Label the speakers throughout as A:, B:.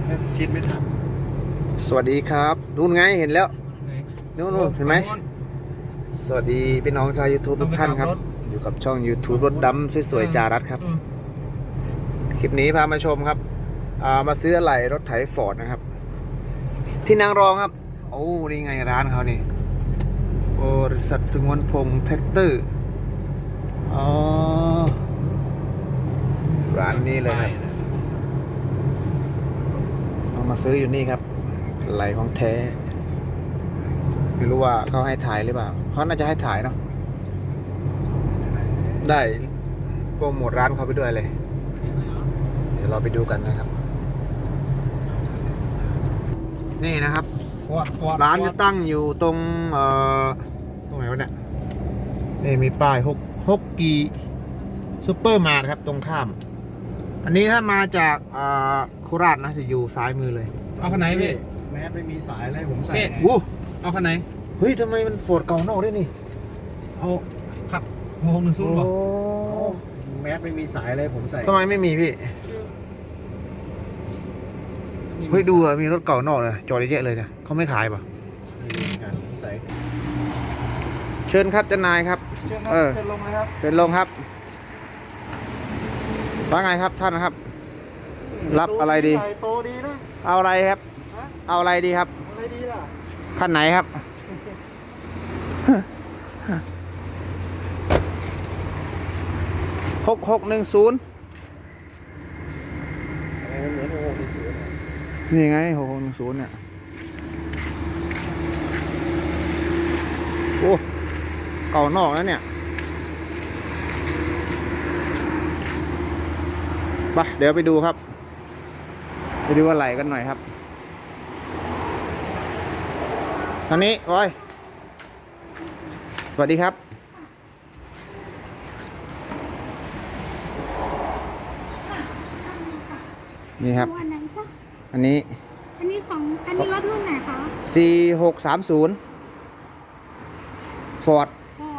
A: ชิดไม่ทัน
B: สวัสดีครับนู่นไงเห็นแล้วนู่นเห็นไหมสวัสดีพี่น้องชาว YouTube ทุกท่านครับอยู่กับช่อง YouTube รถดำสวยๆจารัสครับคลิปนี้พามาชมครับมาซื้ออะไหล่รถไถฟอร์ดนะครับที่นางรองครับโอ้นี่ไงร้านเขานี่บริษัทสงวนพงษ์แท็กเตอร์อ๋อร้านนี้เลยครับต้องมาซื้ออยู่นี่ครับอะไหล่ของแท้ไม่รู้ว่าเขาให้ถ่ายหรือเปล่าเขาน่าจะให้ถ่ายเนาะได้โปรโมทร้านเขาไปด้วยเลยเดี๋ยวเราไปดูกันนะครับนี่นะครับร้านจะตั้งอยู่ตรงตรงไหนวะเนี่ยนี่มีป้ายฮกกีซูเปอร์มาร์ทครับตรงข้ามอันนี้ถ้ามาจากโคราชนะจะอยู่ซ้ายมือเลย
A: เอาคันไหนพี่
C: แมสไม่มีสายอะไรผมใส่ไง
A: เอาคันไหน
B: เฮ้ยทำไมมันโฟร์ดเก่านอกได้นี่
A: เอาขับ610หรอ
C: แมสไม่มีสายอะไรผมใส่
B: ทำไมไม่มีพี่เฮ้ยดูอะมีรถเก่านอกเลยจอดเยอะเลยเนี่ยเขาไม่ขายป่ะเชิญครับเจ้านายครับ
A: เชิญลงเลยครับ
B: เชิญลงครับว่าไงครับท่านนะครับรับอะไรดี
A: โตดีนะ
B: เอาอะไรครับเอาอะไรดีครับ
A: อะไรดีล่ะ
B: คันไหนครับ6610นี่ไง6610เนี่ยโอ้เก่านอกแล้วเนี่ยไปเดี๋ยวไปดูครับไปดูอะไรกันหน่อยครับทางนี้บอยสวัสดีครับนี่ครับอันนี้
D: รถรุ่นไหนคะ
B: 4630 Ford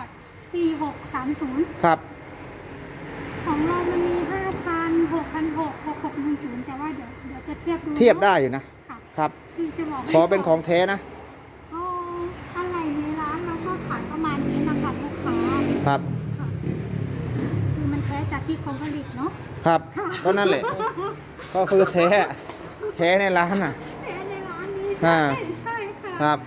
D: 4630
B: ครับ
D: ของเรามันมี 5,000 6,600 6610แต่ว่าเดี๋ยวจะเทียบดู
B: เทียบได้อยู่นะครับ
D: พี่จะบอก
B: ขอเป็นของแท้นะ
D: อะไรในร้านเราก็ขายประมาณนี้นะคะลูกค้า
B: ครับ
D: คือมันแท้จากที่เขาผลิตเนาะ
B: ครับก็นั่นแหละก็คือแท้ในร้านน่ะ
D: แท้ในร้านนี้ใช่ค่ะ
B: ครับ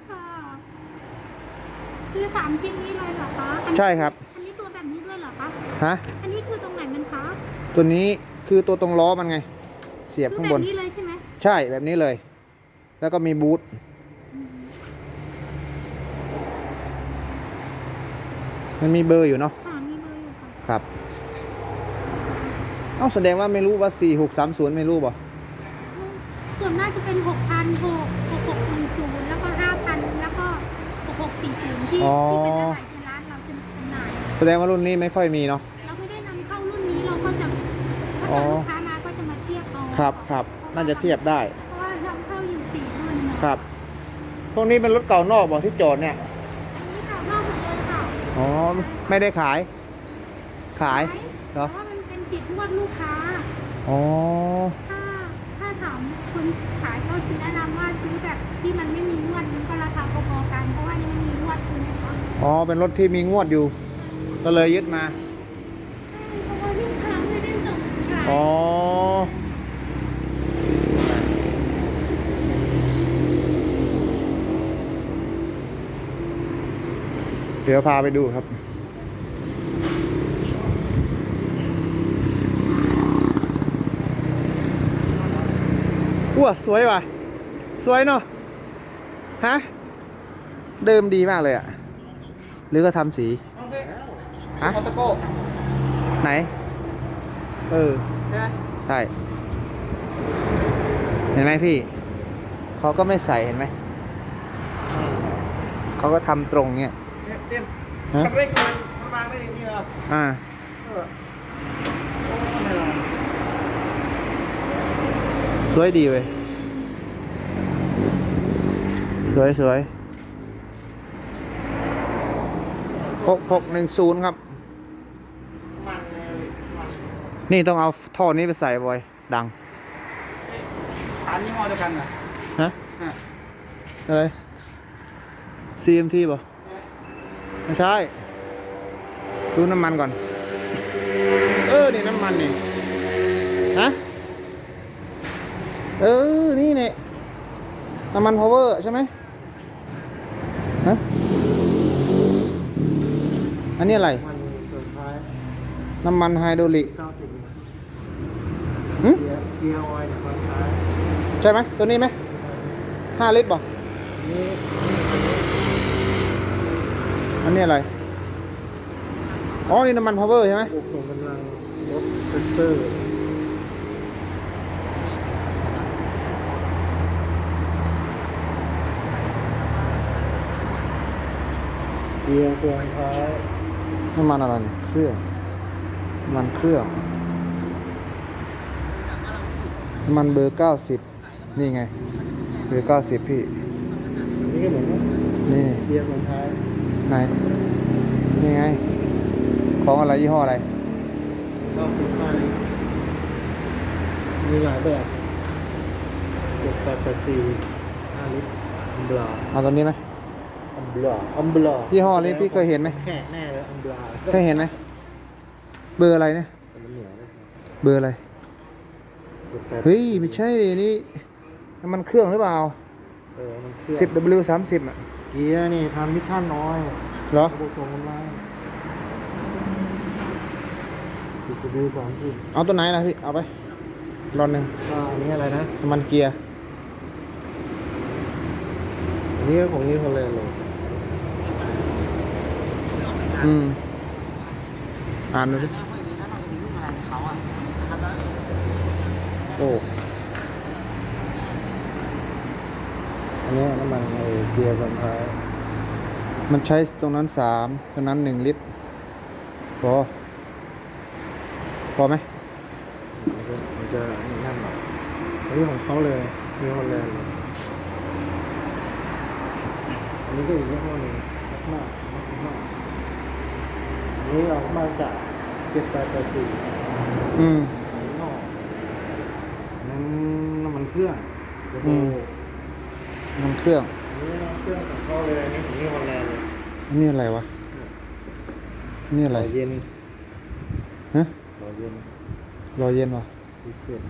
D: คือ3ชิ้นนี้เลยเหรอคะ
B: ใช่ครับ
D: อันนี้ตัวแบบนี้ด้วยเหรอคะ
B: ฮะ
D: อันนี้คือตรงไหนมันคะ
B: ตัวนี้คือตัวตรงล้อมันไงเสียบข้างบน
D: แบบนี้เลยใช่ไหม
B: ใช่แบบนี้เลยแล้วก็มีบูทมันมีเบอร์อยู่เนาะ
D: มีเบอร์อยู่ค่ะ
B: ครับแสดงว่าไม่รู้ว่า4630ไม่รู้ป่ะ
D: ส่วนมากจะเป็น6,600 แล้วก็ 5,000 แล้วก็6640ที่เป็นอะไรในร้านเราจะจำหน่าย
B: แสดงว่ารุ่นนี้ไม่ค่อยมีเนาะ
D: เราไม่ได้นำเข้ารุ่นนี้เราก็จะถ้าลูกค้ามาก็จะมาเทียบเอา
B: ครับน่าจะเทียบได้
D: เพราะว่านำเข้าอยู่4รุ่น
B: ครับพวกนี้เป็นรถเก่านอกบอกที่จอดเนี่ย
D: อันนี้เก่านอกหมดเลยค่ะ
B: ไม่ได้ขายเหรอ
D: เพราะว่ามันเป็นติดงวดลูกค้าถ้าถามคนขายก็คือแนะนำว่าซื้อแบบที่มันไม่มีงวดมันก็ราคาพอๆกันเพราะว่านี่มันมีงวดคือนะคะ
B: เป็นรถที่มีงวดอยู่ก็เลยยึดมา
D: เพราะว่าลูกค้าไม่ได้ส่งข
B: ายเดี๋ยวพาไปดูครับว้าสวยว่ะสวยเนาะฮะเดิมดีมากเลยอ่ะหรือก็ทำสี
A: ฮะตะโก้
B: ไหนใช่เห็นไหมพี่เขาก็ไม่ใส่เห็นไหมเขาก็ทำตรงเนี้ย
A: เต้นคันเร่งมันวางได้อย่างนี้เหรอ
B: สวยดีเว้ยสวย6610ครับนี่ต้องเอาท่อนี้ไปใส่บ่อยดัง
A: ฐานยี่ห้อเดียวกันเหรอ
B: ฮะ
A: อ่ะ
B: อะไร CMT ป่ะไม่ใช่ดูน้ำมันก่อน นี่น้ำมันนี่ฮะนี่เนี่ยน้ำมัน power ใช่ไหมฮะอันนี้อะไร
C: มันสุดท้าย
B: น้ำมันไฮดรอลิก
C: 90
B: หึ
C: เกียร์ออยล์เนี่ยตอนท้าย
B: ใช่ไหมตัวนี้ไหม5 ลิตรป่ะ
C: นี่
B: อันนี้อะไร อ๋อ นี่น้ำมัน power ใช่ไหม
C: ระบบส่งกำลังรถเซนเซอร์เกียร์ตัวท้าย
B: น้ำมันอะไรเนี่ยเครื่องน้ำมันเครื่องน้ำมันเบอร์90นี่ไงเบอร์90พี่
C: นี่ก็เหมือนว่า
B: นี่
C: เกียร์ตัวท้าย
B: ไหนนี่ไงของอะไรยี่ห้ออะไร
C: 95 ลิตรมีหลายแบบ7884 5 ลิตรอัมบลา
B: เอาตัวนี้ไหม
C: อัมบลาอัมบลา
B: ยี่ห้อนี้พี่เคยเห็นไหม
C: แขกแน่เลยอัมบลา
B: เคยเห็นไหมเบอร์อะไรเนี่ย
C: แต่มันเหนียวเลย
B: เบอร์อะไร
C: 18
B: เฮ้ยไม่ใช่ดินี่น้ำมันเครื่องหรือเปล่า
C: มันเครื่อง
B: 10W30 อ่ะ
C: เกียร์นี่ทำมิชชั่นน้อย
B: เหรอ
C: ระบบส่งกำลัง10W30
B: เอาตัวไหนล่ะพี่เอาไปรอนหนึ่ง
C: ก็อันนี้อะไรนะ
B: น้ำมันเกียร์
C: อันนี้ก็ของนี้คนเลยเลย
B: อ่านดูดิโอ้
C: อันนี้น้ำมันเกียร์บรรท้าย
B: มันใช้ตรงนั้น3ตรงนั้น1 ลิตรพอไหม
C: มันจะนั่นหน่อยอันนี้ของเขาเลยมีฮอลแลนด์เลยอันนี้ก็อีกยี่ห้อหนึ่งมักซิม่าอันนี้เรามาจาก7884
B: อืม
C: นอกนั้นน้ำมันเครื่องเดี๋ยวดู
B: น้ำเครื่อง
C: อันนี้น้ำเครื่องของเขาเลยอันนี้ของนี่ฮอลแลนด์เลย
B: อันนี้อะไรวะอันนี่อะไร
C: หล่อเย็น
B: ฮะ
C: หล่อเย็น
B: รอเย็นวะ
C: ดีเกิน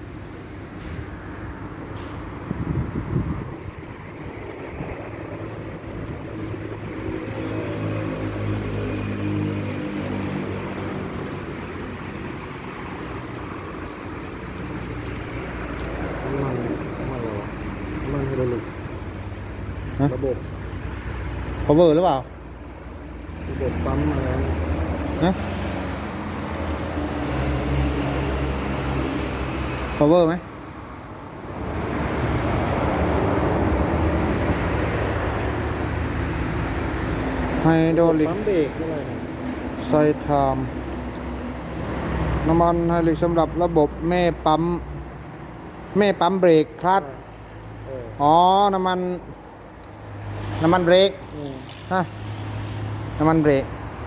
C: น้ำมันอะไรวะน้ำมันไฮดรอลิก
B: ฮะ
C: ระบบ
B: power หรือเปล่า
C: ระบบปั๊มอะไรนะ
B: ฮะ power ไหมไฮดรอลิก
C: ปั๊มเบรกอะไรนะ
B: ไซไทม์น้ำมันไฮดรอลิกสำหรับระบบแม่ปั๊มเบรกคลัตช์ อ๋อ น้ำมันเบรก ฮะ น้ำมันเบรก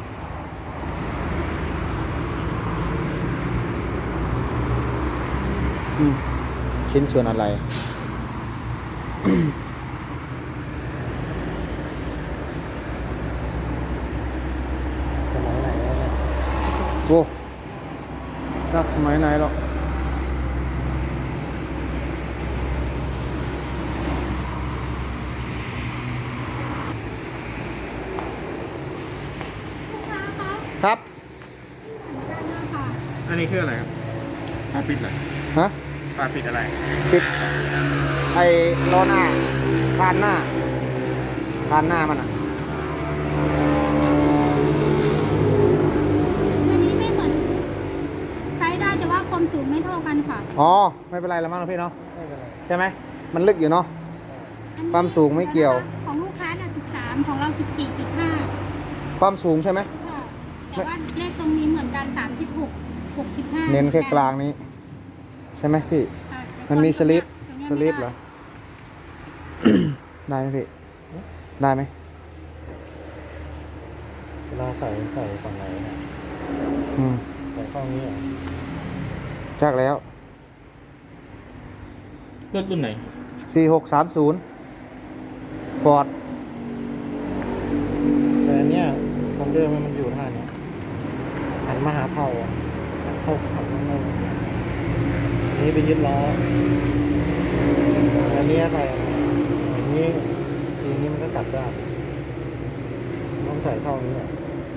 B: ชิ้นส่วนอะไร
C: สมัยไหนแล้วเนี่ย
B: โว้รักสมัยไหนหรอก
D: ลูกค้าคะ
B: ครับ
D: เหมือนกันนะคะ
A: อันนี้คืออะไรครับอ๋อปิดอะไร
B: ฮะ
A: ปิดอะไร
B: ปิด ไอ้ล้อหน้าคานหน้ามันอ่ะ
D: อันนี้ไม่เหมือนใช้ได้แต่ว่าความสูงไม่เท่ากันค่ะ
B: อ๋อ ไม่เป็นไรแล้วมั้งนะพี่เนาะ
C: ไม่เป็นไร
B: ใช่ไหม มันลึกอยู่เนาะ ความสูงไม่เกี่ยว
D: ของลูกค้าน่ะ13ของเรา 14.5
B: ความสูงใช่ไหม
D: ใช่แต่ว่าเลขตรงนี้เหมือนกัน36 65
B: เน้นแค่กลางนี้ ใช่ไหมพี่
D: ค่ะแต่
B: มันมีสลิป
D: ตรง
B: ส
D: เนี้ย
B: ลิปเหรอ ได้ไหมพี่ ได้ไหม
C: เวลาใส่ฝั่งไหนเนี่ย
B: อืม
C: ใส่ข้างนี้เหรอ
B: จากแล้ว
A: รถรุ่นไหน
B: 4630 ฟอร์ด
C: แต่อันเนี้ยของเดิมมันอยู่ท่าเนี้ยหันมาหาเผาอ่ะเข้าขับข้างนอกอันนี้ไปยึดล้ออันนี้อะไรอย่างนี้ทีนี้มันก็กลับได้ต้องใส่เข้านี้อ่ะ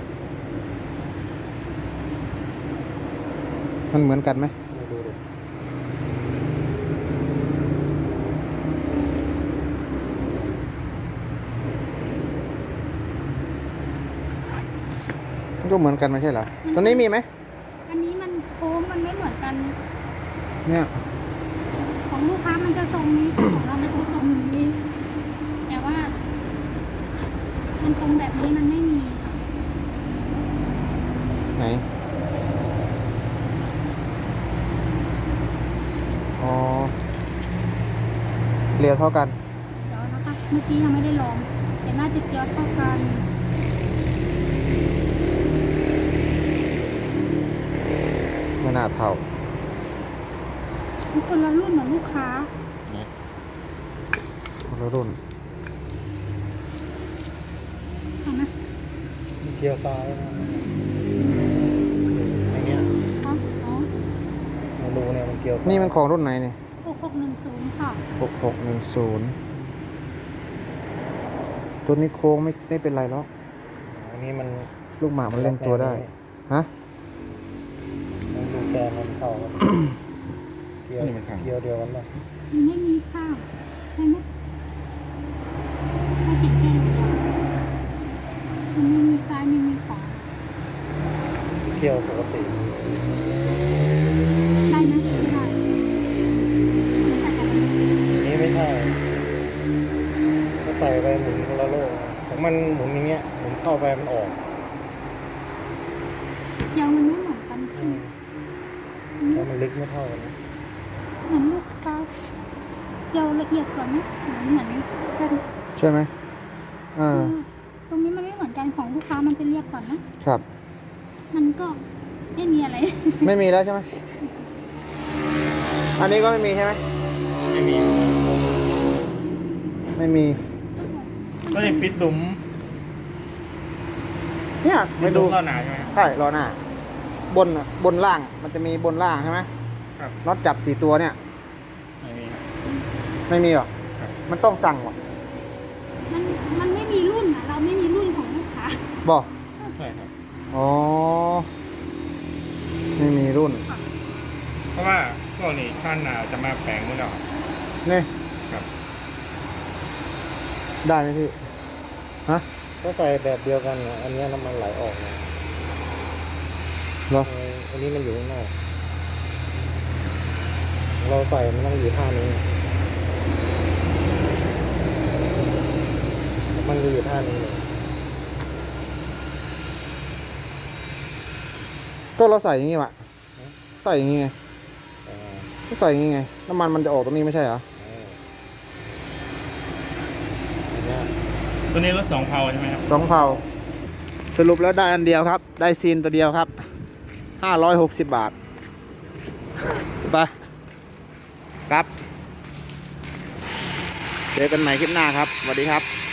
B: มันเหมือนกันไหม
C: มาดูดิ
B: มันก็เหมือนกันไม่ใช่เหรอ ตัวนี้มีไหม
D: อันนี้มันโค้งมันไม่เหมือนกัน
B: เนี่ย
D: ของลูกค้ามันจะทรงนี้ ของเรามันจะทรงนี้ แต่ว่า มันตรงแบบนี้มันไม่มีค่ะ
B: ไหน อ๋อเกลียวเท่ากัน
D: เดี๋ยวนะคะ เมื่อกี้ยังไม่ได้ลองแต่น่าจะเกียวเท่ากัน
B: ไม่น่าเท่า
D: มันคนละรุ่นเหมือนลูกค้า
B: คนละรุ่น
D: เห็นไหม
C: มีเกียร์ซ้ายนะอย่างเงี้ย
D: อ๋ออ๋อ
C: มาดูเนี่ยมันเกียร์ซ้าย
B: นี่มันของรุ่นไหนเนี่ย
D: 6610ค่ะ
B: 6610 ตัวนี้โค้งไม่เป็นไรหรอก
C: อันนี้มัน
B: ลูกหมามันเล่นตัวได้ ฮะ
C: มันดูแกนมันเข้าครับ เกียร์เกียร์เดียวกันป่ะ
D: มันไม่มีข้าวใช่ไหมไม่ติดแค่เดียวมันไม่มีซ้ายไม่มีขวา
C: เกียร์ปกติ
D: ใช่ไหมไม่ได้ไม่ใช่กันเลย
C: อันนี้ไม่ใช่ก็ใส่ไปหมุนคนละโลกของมันหมุนอย่างเงี้ยหมุนเข้าไปมันออก
D: เกียวมันไม่เหมือนกันใช่ไหม
C: แล้วมันลึกไม่เท่ากันนะ
D: เหมือนลูกค้าเกียวละเอียดกว่าไหมเหมือนกัน
B: ใช่ไหมเอ
D: คือ อตรงนี้มันไม่เหมือนกันของลูกค้ามันจะเรียบก่อนนะครับ มันก็ไม่มีอะไร
B: ไม่มีแล้วใช่ไหม อันนี้ก็ไม่มีใช่ไหม
A: ไม่มี
B: ไม่มี
A: ก็เลยปิดดุม
B: เนี่ยไปดู
A: เข้าหนาใช่ไหมครับ
B: ใช่ล้อหน้า บนล่าง มันจะมีบนล่างใช่ไหม
A: ครับ
B: น็อตจับ4 ตัวเนี่ย
A: ไม่มีครับ
B: ไม่มีหรอ
A: ครับ
B: มันต้องสั่งหรอ
D: มันไม่มีรุ่นอ่ะ เราไม่มีรุ่นของลูกค้า
B: บอก
A: ใช่ครับ
B: อ๋อ ไม่มีรุ่น
A: เพราะว่าพวกนี้ข้างหนาวจะมาแปลงหมดแล้ว
B: นี่
A: ครับ
B: ได้ไหมพี่ ฮะ
C: ก็ใส่แบบเดียวกันนะอันเนี้ยน้ำมันไหลออกนะ
B: เหรอ
C: อันนี้มันอยู่ข้างนอกเราใส่มันต้องอยู่ท่านี้มันจะอยู่ท่านี้เลย
B: ก็เราใส่อย่างงี้วะใส่อย่างงี้ไง
C: อ่า
B: ก็ใส่อย่างงี้ไง น้ำมันมันจะออกตรงนี้ไม่ใช่เหรอ
C: อันเนี้ย
A: ตัวนี้รถ2 เพาใช่ไหมครับ
B: 2 เผาสรุปแล้วได้อันเดียวครับ ได้ซีนตัวเดียวครับ 560 บาท ไปครับ เจอกันใหม่คลิปหน้าครับ สวัสดีครับ